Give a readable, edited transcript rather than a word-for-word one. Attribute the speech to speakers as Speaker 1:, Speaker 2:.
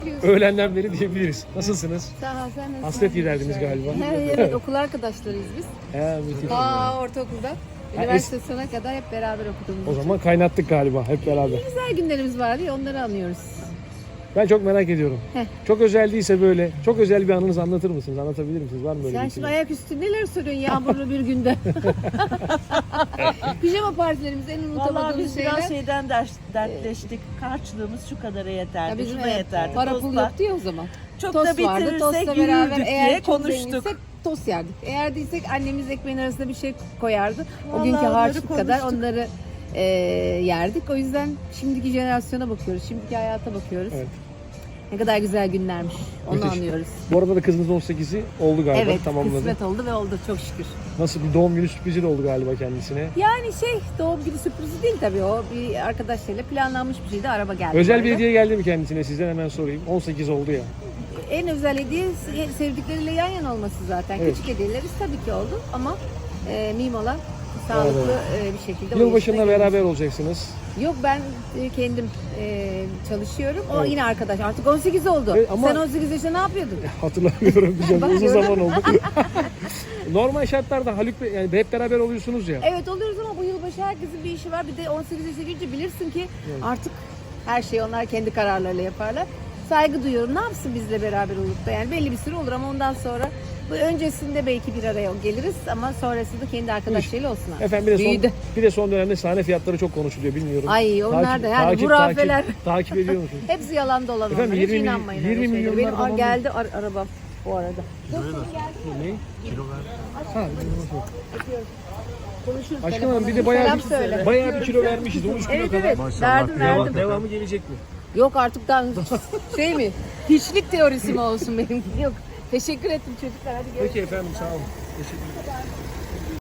Speaker 1: öğlenden beri diyebiliriz. Nasılsınız?
Speaker 2: Sağ ol, sen nasılsın?
Speaker 1: Hasret giderdiniz galiba.
Speaker 2: Evet, okul arkadaşlarıyız biz.
Speaker 1: Müthiş.
Speaker 2: Ortaokulda. Üniversite sonuna kadar hep beraber okuduğumuz
Speaker 1: O
Speaker 2: için.
Speaker 1: zaman kaynattık galiba hep beraber.
Speaker 2: Güzel günlerimiz vardı ya, onları anıyoruz.
Speaker 1: Ben çok merak ediyorum.
Speaker 2: Heh.
Speaker 1: Çok özel değilse böyle, çok özel bir anınızı anlatır mısınız? Anlatabilir misiniz? Var mı böyle
Speaker 2: Sen
Speaker 1: bir
Speaker 2: şimdi
Speaker 1: şey?
Speaker 2: ayaküstü neler soruyorsun yağmurlu bir günde? Pijama partilerimiz en
Speaker 3: Vallahi
Speaker 2: unutamadığımız
Speaker 3: biz
Speaker 2: şeyler.
Speaker 3: biraz şeyden dertleştik. Harçlığımız şu kadara yeterdi,
Speaker 2: Ya bizim
Speaker 3: şuna yeterdi.
Speaker 2: para pul
Speaker 3: Tostlar.
Speaker 2: yoktu ya o zaman.
Speaker 3: Çok
Speaker 2: Tost
Speaker 3: da
Speaker 2: vardı,
Speaker 3: bitirirsek
Speaker 2: tostla beraber
Speaker 3: yürürdük
Speaker 2: eğer
Speaker 3: diye
Speaker 2: çok
Speaker 3: konuştuk.
Speaker 2: zenginsek tost yerdik. Eğer değilsek annemiz ekmeğin arasına bir şey koyardı. O
Speaker 3: Vallahi
Speaker 2: günkü
Speaker 3: onları
Speaker 2: harçlık kadar
Speaker 3: konuştuk.
Speaker 2: onları yerdik. O yüzden şimdiki jenerasyona bakıyoruz, şimdiki hayata bakıyoruz.
Speaker 1: Evet.
Speaker 2: Ne kadar güzel günlermiş. Onu
Speaker 1: Müthiş.
Speaker 2: anlıyoruz.
Speaker 1: Bu arada da kızınızın 18'i oldu galiba,
Speaker 2: Evet,
Speaker 1: tamamladı.
Speaker 2: kısmet oldu ve oldu çok şükür.
Speaker 1: Nasıl bir doğum günü sürprizi de oldu galiba kendisine.
Speaker 2: Yani doğum günü sürprizi değil tabii, o bir arkadaşlarıyla planlanmış bir şeydi, araba geldi.
Speaker 1: Özel bir
Speaker 2: böyle.
Speaker 1: hediye geldi mi kendisine? Sizden hemen sorayım. 18 oldu ya.
Speaker 2: En özel hediye sevdikleriyle yan yana olması zaten.
Speaker 1: Evet.
Speaker 2: Küçük hediyelerimiz tabii ki oldu ama Mimola sağlıklı bir şekilde. o
Speaker 1: Yılbaşında
Speaker 2: yaşına
Speaker 1: beraber
Speaker 2: gelmiş.
Speaker 1: olacaksınız.
Speaker 2: Yok, ben kendim çalışıyorum. O
Speaker 1: Evet.
Speaker 2: yine arkadaş. Artık 18 oldu.
Speaker 1: Evet, ama-
Speaker 2: Sen 18 yaşında ne yapıyordun?
Speaker 1: Hatırlamıyorum güzel. Uzun
Speaker 2: Bakıyorum.
Speaker 1: zaman oldu. Normal şartlarda Haluk Bey, yani hep beraber oluyorsunuz ya.
Speaker 2: Evet, oluyoruz ama bu yılbaşı herkesin bir işi var. Bir de 18 yaşına gelince bilirsin ki artık her şeyi onlar kendi kararlarıyla yaparlar. Saygı duyuyorum. Ne yapsın bizle beraber olup da, yani belli bir süre olur ama ondan sonra bu öncesinde belki bir araya geliriz ama sonrasında kendi arkadaşlarıyla olsun artık.
Speaker 1: Efendim
Speaker 2: Büyüdü.
Speaker 1: bir de son dönemde sahne fiyatları çok konuşuluyor, bilmiyorum.
Speaker 2: Ay, onlar da yani hurafeler.
Speaker 1: Takip ediyor musunuz?
Speaker 2: Hepsi yalan dolan
Speaker 1: Efendim,
Speaker 2: onlar. Hiç
Speaker 1: 20
Speaker 2: inanmayın
Speaker 1: 20
Speaker 2: öyle şeylere.
Speaker 1: milyonlar
Speaker 2: Benim
Speaker 1: falan
Speaker 2: geldi arabam bu arada.
Speaker 1: Ne? Ha,
Speaker 2: Konuşuruz.
Speaker 1: Aşkım
Speaker 2: telefonla.
Speaker 1: Hanım, bir de bayağı
Speaker 2: Selam söyle.
Speaker 1: bir kilo vermişiz. 13 kilo
Speaker 2: Evet
Speaker 1: kadar.
Speaker 2: evet. Verdim.
Speaker 1: Devamı gelecek mi?
Speaker 2: Yok artık daha şey mi? Hiçlik teorisi mi olsun benim? Yok. Teşekkür ettim çocuklar. Hadi görüşürüz.
Speaker 1: Peki efendim, sağ olun. Teşekkür ederim.